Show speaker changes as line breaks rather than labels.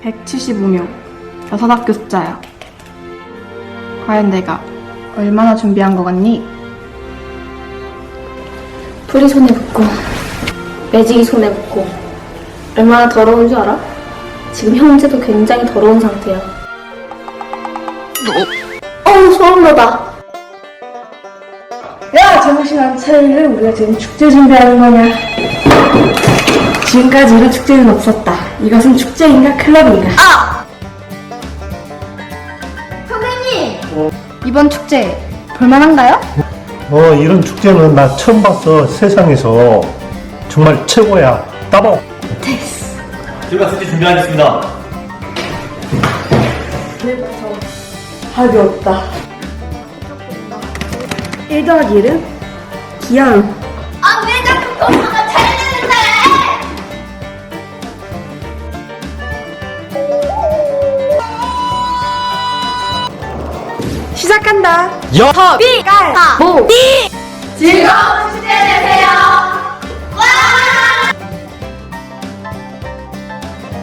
175명, 6학교 숫자야. 과연 내가 얼마나 준비한 거 같니?
풀이 손에 붙고 매직이 손에 붙고 얼마나 더러운 줄 알아? 지금 형제도 굉장히 더러운 상태야. 소름 돋아.
야, 정신 안 차리래. 우리가 지금 축제 준비하는 거냐? 지금까지 이런 축제는 없었다. 이것은 축제인가 클럽인가?
선생님! 이번 축제 볼만한가요?
이런 축제는 나 처음 봤어. 세상에서. 정말 최고야. 따봉!
저희가 숙제 준비하겠습니다.
답이 없다. 1 더하기 1은? 기양.
아, 왜 자꾸 동서가 잘해주는데!
시작한다.
여!
즐거운 축제를